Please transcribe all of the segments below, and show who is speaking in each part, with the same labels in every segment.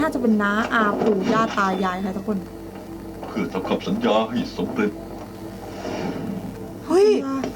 Speaker 1: น่าจะเป็นน้าอาปู่ย่าตายายใครทุกคน
Speaker 2: เพื่อทำคำสัญญาให้สำเร็จ
Speaker 3: เฮ้ย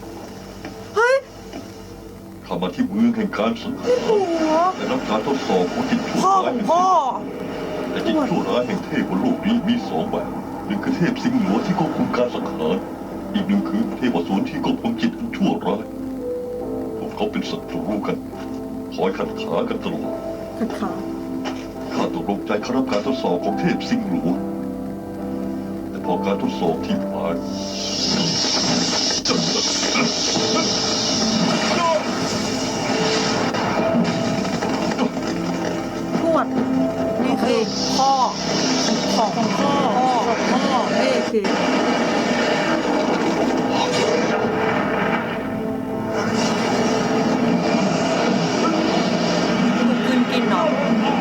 Speaker 2: ข้ามาที่เมืองแห่งการสังหารและรับการทดสอบของจิตชั่ว
Speaker 3: พ่อ
Speaker 2: ร้า
Speaker 3: ข
Speaker 2: ย
Speaker 3: องพ่อ
Speaker 2: แต่จิตชั่วร้ายแห่งเทพบนโลกนี้มีสองแบบหนึ่งคือเทพสิงห์หลวงที่ควบคุมการสังหารอีกหนึ่งคือเทพอสูรที่ควบคุมจิตอันชั่วร้ายพวกเขาเป็นศัตรูกันคอยขัดขากันตลอด
Speaker 1: ขัดขา
Speaker 2: ข้าตกลงใจเข้ารับการทดสอบของเทพสิงห์หลวงแต่พอการทดสอบที่ผ่าน
Speaker 1: ทวด
Speaker 3: นี่คือพ่อของพ่อ
Speaker 1: พ่อนี่คือ
Speaker 3: กินเนาะ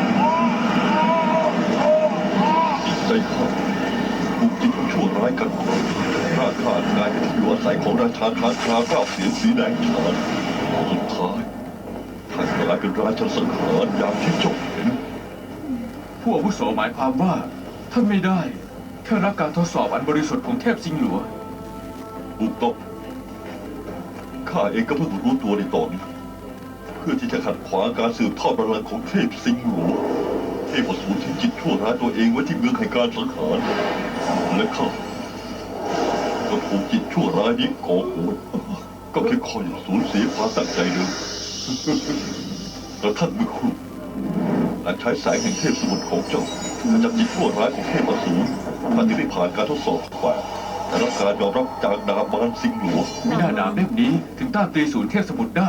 Speaker 2: จิตใจข้าถูกจิตชั่วร้ายกันข้าขากลายเป็นที่อยู่อาศัยของราชาค้างคาวเก้าเสียงสีแดงฉานสุดท้ายท่านกลายเป็นราชาสังหารอย่างที่เจ้าเห็น
Speaker 4: ผู้อาวุโสหมายความว่าท่านไม่ได้แค่รับการทดสอบอันบริสุทธิ์ของเทพสิงห์หลวง
Speaker 2: ถูกต้องข้าเองก็เพิ่งรู้ตัวในตอนนี้เพื่อที่จะขัดขวางการสืบทอดบัลลังก์ของเทพสิงห์หลวงเทพอสูรทิ้งจิตชั่วร้ายตัวเองไว้ที่เมืองแห่งการสังหารและข้าก็ถูกจิตชั่วร้ายนี้ก่อกวนก็แค่คอยสูญเสียความตั้งใจเดิมแล้วท่านมือครูอาจใช้แสงแห่งเทพสมุทรของเจ้าขจัดจิตชั่วร้ายของเทพอสูรท่านที่ได้ผ่านการทดสอบฝ่าแต่รับการยอมรับจากดาบมารสิงห์หลวง
Speaker 4: ไม่น่าดาบเล่มนี้ถึงต้านตีศูนย์เทพสมุทรได้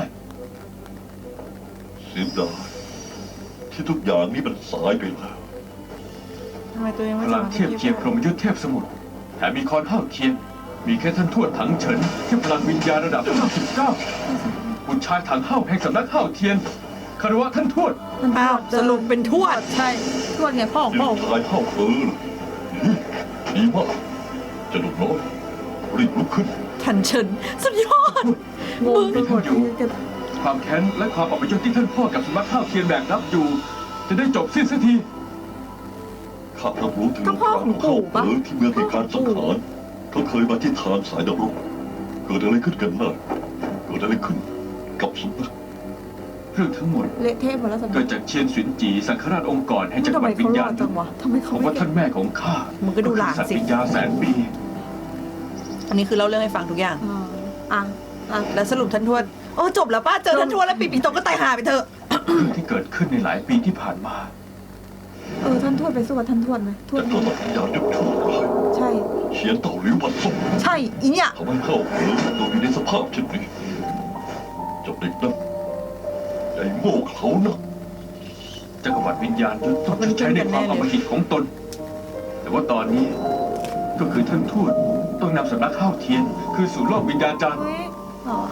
Speaker 2: เสียดายที่ทุกอย่างนี้มันสายไปแล้ว
Speaker 3: ทำไมตัวเอง
Speaker 4: พ
Speaker 3: ไม่
Speaker 4: ลังเทียบเคียงพรหมยุทธเทพสมุทรแถมมีคอนเท่าเทียน มีแค่ท่านทวดถังเฉินที่พลังวิญญาณระดับ99บุตรชายถังเฮ้าแห่งสำนักเฮ้าเทียนคารวะท่านทวด
Speaker 3: อ้าวสรุปเป็นทวด
Speaker 1: ใช่ทวดไงพ่อของ
Speaker 2: เดี๋
Speaker 1: พ่
Speaker 2: ย
Speaker 1: อ
Speaker 2: วชายเข้าเฟือดีมากจะดุน้อยรีบลุกขึ้น
Speaker 3: ถันเฉินสุดยอด
Speaker 1: งงไปหมดที่จะ
Speaker 4: ความแค้นและความอัปยศที่ท่านพ่อกับสำนักเฮ้าเทียนแบกรับอยู่ จะได้จบสิ้นสักที
Speaker 2: ข้ารับรู้ถึงเรื่องราวของเข้าเฟือที่เมืองแห่งการสังหารเขาเคยมาที่ทางสายดำรงเกิดอะไรขึ้นกันน่ะเกิดอะไรขึ้นกับสำนัก
Speaker 4: เรื่องทั้งหมด
Speaker 1: เละเทะหมดแล้วสัน
Speaker 4: เกิดจากเชียนสินจีสังฆราชองค์กรแห่งจักร
Speaker 1: ทำ
Speaker 4: ว
Speaker 1: ไม
Speaker 4: รรดิวิ
Speaker 1: เขา
Speaker 4: ญ
Speaker 1: ร
Speaker 4: ญา
Speaker 1: อ
Speaker 4: ณ
Speaker 1: ดจังวะทำไมเขา
Speaker 4: ผม
Speaker 1: ไม่
Speaker 4: ว่าท่านแม่ของข้า
Speaker 3: มึงก็ดูหลานสิ
Speaker 4: สัตว์วิญญาณแสนปี
Speaker 3: อันนี้คือเล่าเรื่องให้ฟังทุกอย่าง
Speaker 1: อ่ะ
Speaker 3: แล้วสรุปท่านทวดโอ้จบแล้วป้าเจอท่านทวดแล้วปีโตก็ตายหาไปเถอะ
Speaker 4: เรื่องที่เกิดขึ้นในหลายปีที่ผ่านมา
Speaker 1: ท่านทวดไปสู้กับท่านทวดไหมทว
Speaker 2: แต่
Speaker 1: ด
Speaker 2: ก็ต้องยายุดชั่วร้าย
Speaker 1: ใช่
Speaker 2: เฉียนเต่าหลิววันส่ง
Speaker 1: ใช่อีเนี่ย
Speaker 2: ทำให้เข้าเฟือโดนอยู่ในสภาพเช่นนี้เจ้าเด็กนั้นใหญ่โง่เขานะ
Speaker 4: จักรวรรดิวิญญาณยุทธต้องชดใช้ในความอำมหิตของตน แต่ว่าตอนนี้ก็คือท่านทูตต้องนำสำนักข้าวเทียน คือสู่โลกวิญญาณจารย์
Speaker 1: เฮ้ยหรอ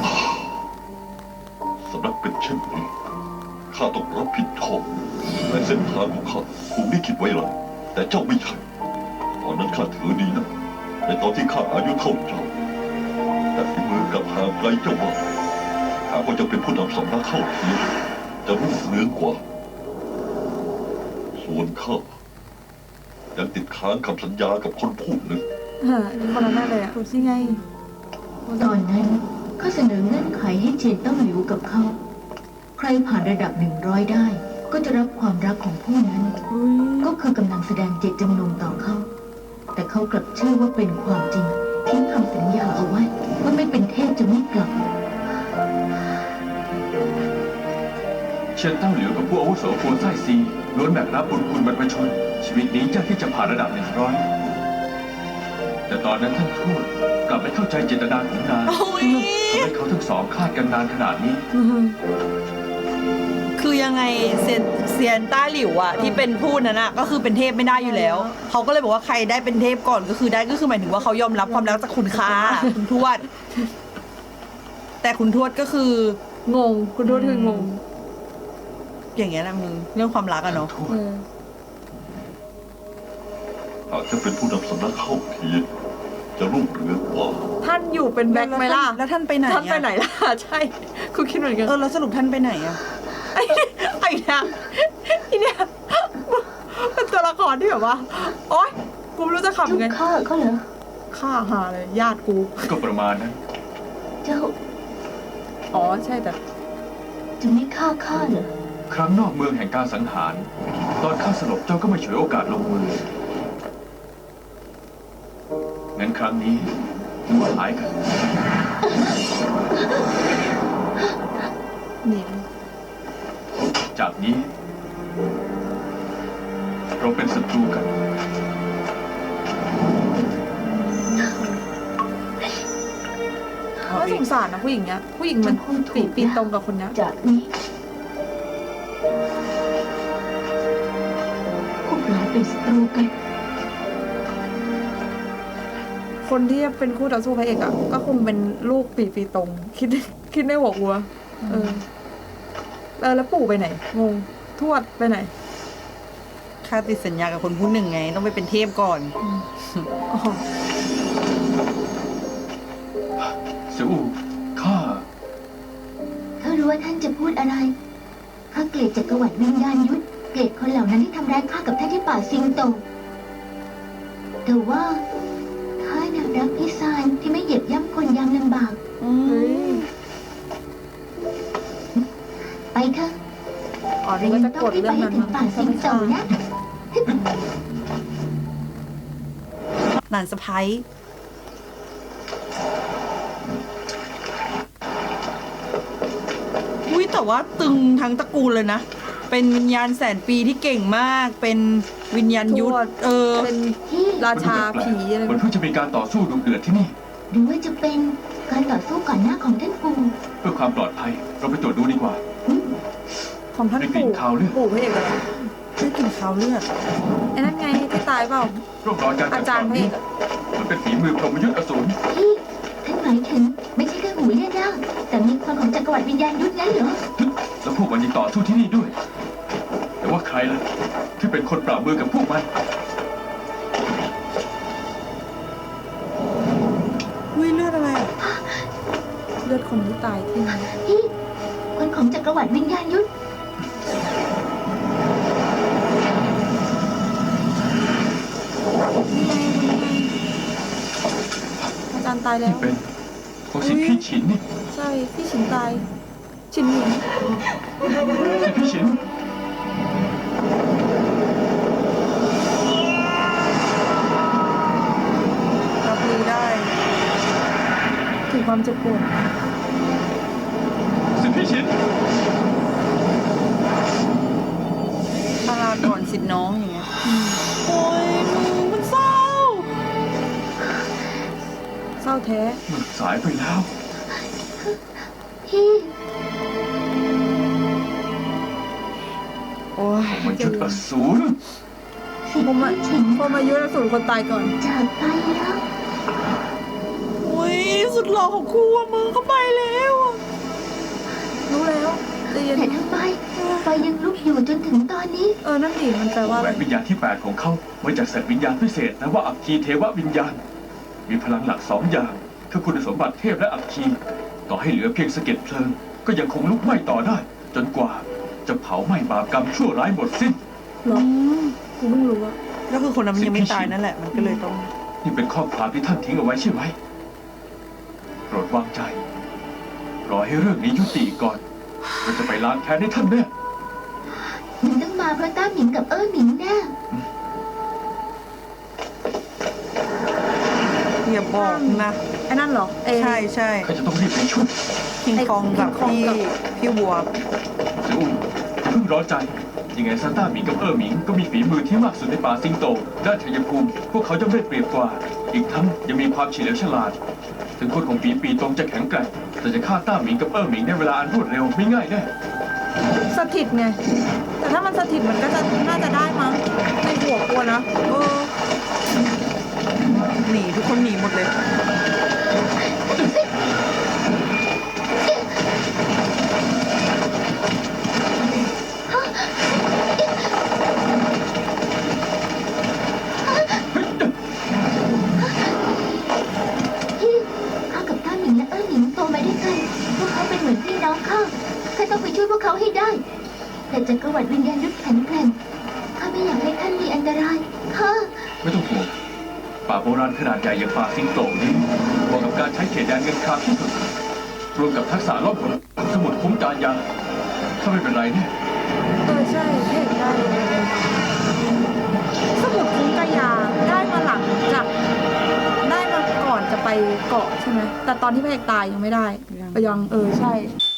Speaker 2: สำนักเป็นเช่นนี้ข้าต้องรับผิดชอบในเส้นทางของข้าถูกลิขิตไว้แล้วแต่เจ้าไม่ใช่ตอนนั้นข้าถือดีนะในตอนที่ข้าอายุเท่าเจ้าแต่ฝีมือกับห่างไกลเจ้าว่าหากว่าจะเป็นผู้นำสำนักเข้าเทียนจะรุ่งเรืองกว่า ส่วนข้ายังติดค้างคำสัญญากับคนผู้หนึ่ง
Speaker 1: คนนั้นแน่เลยอ่ะดูสิไง
Speaker 5: ตอนนั้นข้าเสนอเงื่อนไขให้เจียนต้องหลิวกับเขา ใครผ่านระดับ100ได้ ก็จะรับความรักของผู้นั้น ก็คือกำลังแสดงเจตจำนงต่อเขา แต่เขากลับเชื่อว่าเป็นความจริงทิ้งคำสัญญาเอาไว้ว่าไม่เป็นเทพจะไม่กลับ
Speaker 4: เชียนเต้าเหลียวกับผู้อาวุโสปัวไส้ซีล้วนแบกรับบุญคุณบรรพชน ชีวิตนี้ยากที่จะผ่านระดับ100แต่ตอนนั้นท่านทูตกลับไม่เข้าใจเจตนาของนาง
Speaker 3: โอ้ย
Speaker 4: ทำให้เขาทั้งสองคลาดกันนานขนาดนี้
Speaker 3: คือยังไงเซียนต้าหลิวอะที่เป็นพูดนั้นอะก็คือเป็นเทพไม่ได้อยู่แล้ว เขาก็เลยบอกว่าใครได้เป็นเทพก่อนก็คือได้ก็คือหมายถึงว่าเขายอมรับความรักจากคุณค่าคุณทวด แต่คุณทวดก็คือง
Speaker 1: งคุณทวดคืองง
Speaker 3: อย่างเงี้ยแหละมึงเรื่องความรักอะเนาะ
Speaker 1: เออ
Speaker 2: หากจะเป็นผู้นำสำนักเข้าเทียนจะรุ่งเรืองกว่า
Speaker 1: ท่านอยู่เป็นแบ็คไหมล่ะ
Speaker 3: แล้วท่านไปไหนอะ
Speaker 1: ท่านไปไหนล่ะ ใช่ คุณคิดเหมือนกัน
Speaker 3: แล้วสรุปท่านไปไหนอะ
Speaker 1: ไอ้เนี่ยไอ้เนี่ยเป็นตัวละครที่แบบว่า โอ๊ย กูไม่รู้จะ
Speaker 5: เจ้า
Speaker 1: ขำไง
Speaker 5: ฆ่าเขาเหรอ
Speaker 1: ฆ่าหาเลย ญาติกู
Speaker 4: ก็ประมาณนั้น
Speaker 5: เจ้า
Speaker 1: อ๋อ ใช่แต่
Speaker 5: จะไม่ฆ่าข้าเหรอ
Speaker 4: ครั้งนอกเมืองแห่งการสังหาร ตอนข้าสลบเจ้าก็ไม่ฉวยโอกาสลงมือ งั้นครั้งนี้มาหายกัน
Speaker 1: หนี
Speaker 4: จากนี้ เราเป็นศัตรูกัน
Speaker 1: น่าสงสารนะผู้หญิงเนี้ย ผู้หญิงมัน
Speaker 5: จะพูดถูก
Speaker 1: ปีตรงกับคนเนี้ย
Speaker 5: จากนี้ พวกเราเป็นศัตรูกัน
Speaker 1: คนที่จะเป็นคู่ต่อสู้พระเอกอ่ะ ก็คงเป็นลูกปีตรง คิดในหัวกูอะเออ แล้วปู่ไปไหน งง ทวดไปไหน
Speaker 3: ข้าติดสัญญากับคนผู้หนึ่งไง ต้องไปเป็นเทพก่อน
Speaker 1: อ๋อ
Speaker 4: เสี่ยวอู่ข้า
Speaker 5: ถ้ารู้ว่าท่านจะพูดอะไร ข้าเกลียดจักรวรรดิวิญญาณยุทธ เกลียดคนเหล่านั้นที่ทำร้ายข้ากับท่านที่ป่าซิงโต แต่ว่าข้าน่ะรักพี่ซานที่ไม่เหยียบย่ำคนยามลำบาก
Speaker 1: เฮ้ย
Speaker 5: ไปเถอะ
Speaker 1: อ๋อ
Speaker 5: เรา
Speaker 1: นี่ก็
Speaker 5: ยัง
Speaker 1: จะ
Speaker 5: ต้อก ง
Speaker 1: ด
Speaker 5: รีบ
Speaker 1: เรื่
Speaker 5: ไป
Speaker 1: อง
Speaker 5: ให้
Speaker 1: นั้น
Speaker 5: ถึง
Speaker 1: มั้ง
Speaker 5: ป่าซิงโตนะ
Speaker 3: หลานสะพ้ายอุ้ยแต่ว่าตึงทั้งตระกูลเลยนะ เป็นวิญญาณแสนปีที่เก่งมาก เป็นวิญญาณยุทธ
Speaker 1: ทวด เป็น
Speaker 5: ที่
Speaker 1: ราชาผีอะไร
Speaker 4: มันเพิ่งจะมีการต่อสู้ดุเดือดที่นี่
Speaker 5: หรือว่าจะเป็นการต่อสู้ก่อนหน้าของท่านปู่
Speaker 4: เพื่อความปลอดภัย เราไปตรวจดูดีกว่า
Speaker 1: ของท่าน
Speaker 4: ได้กลิ่
Speaker 1: ปู่
Speaker 4: นคาวเลือด
Speaker 1: ปู่พระเอกเหรอ
Speaker 3: ชื่อกลิ่นขาวเลือด
Speaker 1: ไอ้นั่นไงที่ตายเปล่า
Speaker 4: ร่องรอยการ
Speaker 1: อา
Speaker 4: จับ
Speaker 1: จาร
Speaker 4: ต่
Speaker 1: ย์
Speaker 4: อ
Speaker 1: พระเอ
Speaker 4: นี้
Speaker 1: กอะ
Speaker 4: มันเป็นฝีมือพรหมยุทธ์อสูร
Speaker 5: ที่ท่านหมายถึงไม่ใช่แค่หูเลี่ยนร่างแต่มีคนของจักรวรรดิวิญญาณยุทธงั้นเหรอ
Speaker 4: แล้วพวกมันยังต่อสู้ที่นี่ด้วย แต่ว่าใครล่ะ ที่เป็นคนปราบมือกับพวกมัน
Speaker 3: อุ้ยเลือดอะไรอ่ะ
Speaker 1: เลือดคนที่ตายที่นั่น
Speaker 5: ที่คนของจักรวรรดิวิญญาณยุทธ
Speaker 1: อาจารย์ตายแล้ว
Speaker 4: ที่เป็นของสิทธิพี่ฉินนี่
Speaker 1: ใช่ พี่ฉินตาย ฉินหมิง
Speaker 4: สิทธิพี่ฉิน
Speaker 3: รับรู้ได้
Speaker 1: ถึงความเจ็บปวด
Speaker 4: สิทธิพี่ฉิน
Speaker 3: พาราก่อนสิทธิ์น้องอย่างเงี้ยโอ้ยมึงมันเศร้า
Speaker 1: เศร้าแท้
Speaker 4: มันสายไปแล้ว
Speaker 5: ที่
Speaker 3: โอ้ย
Speaker 4: มันยุทธ์อสูร
Speaker 5: สิท
Speaker 1: ผม
Speaker 5: ธิ์
Speaker 1: อะ
Speaker 5: พี่ฉิน
Speaker 1: พอมายุรสูรคนตายก่อน
Speaker 5: จากไปแล้ว
Speaker 3: โอ้ยสุดหล่อของครูอะมึงเข้าไปแล้วอะ
Speaker 1: รู้แล้วเรียน
Speaker 5: แต่ทำไมไฟยังลุกอยู่จนถึงตอนนี้
Speaker 1: นั่นดิมันแปลว่าอะ
Speaker 4: แหว
Speaker 1: ไร
Speaker 4: นวิญญาณที่ 8 ของเขามาจากสัตว์วิญญาณพิเศษนะว่าอัคคีเทววิญญาณ มีพลังหลัก 2 อย่าง คือคุณสมบัติเทพและอัคคี ต่อให้เหลือเพียงสะเก็ดเพลิง ก็ยังคงลุกไหม้ต่อได้ จนกว่าจะเผาไหม้บาปกรรมชั่วร้ายหมดสิ้น
Speaker 1: หรอกูเพิ่งรู้อะ
Speaker 3: ก็คือคนนั้นมันยังไม่ตายนั่นแหละ มันก็เลยต้อง
Speaker 4: นี่เป็นข้อความที่ท่านทิ้งเอาไว้ใช่ไหมโปรดวางใจ รอให้เรื่องนี้ยุติก่อนเราจะไปล้างแค้นให้ท่านแน่
Speaker 5: มันต้องมาเพราะต้าหมิงกับหมิงแน่
Speaker 3: อย่าบอกนะ
Speaker 1: ไอ้นั่นเหรอ
Speaker 3: ใช่ใช่
Speaker 4: ข้าจะต้องรีบไปช่วย
Speaker 3: คิงคองกับ
Speaker 1: คิงคอง
Speaker 3: พี่
Speaker 1: กับ
Speaker 3: พี่วัว
Speaker 4: เสียวอุ่นอย่าเพิ่งร้อนใจ ยังไงซานต้าหมิงกับหมิงก็มีฝีมือที่มากสุดในป่าสิงโต ด้านชัยภูมิ พวกเขาย่อมได้เปรียบกว่า อีกทั้งยังมีความเฉลียวฉลาด ถึงคนของปีตรงจะแข็งแกร่งแต่จะฆ่าต้าหมิงกับหมิงในเวลาอันรวดเร็วไม่ง่ายแน่
Speaker 1: สถิตไง แต่ถ้ามันสถิตมันก็จะน่าจะได้มั้งในหัวกลัวนะ
Speaker 3: หนีทุกคนหนีหมดเลย
Speaker 5: ที่ข้ากับต้าหมิงและหมิงโตมาด้วยกัน พวกเขาเป็นเหมือนพี่น้องข้าข้าต้องไปช่วยพวกเขาให้ได้ แต่จักรวรรดิวิญญาณยุทธแข็งแกร่งข้าไม่อยากให้ท่าน
Speaker 4: โบราณขนาดใหญ่อย่างป่าสิงโตนี้เหมาะกับการใช้เขตแดนเงินครามที่สุดรวมกับทักษะล่องหนสมุดคุ้มการยาถ้าไม่เป็นไรเนี่ย
Speaker 1: ใช่พระเอกได้สมุดคุ้มกายาได้มาหลังจากได้มาก่อนจะไปเกาะใช่ไหมแต่ตอนที่พระเอกตายยังไม่ได้ยังใช่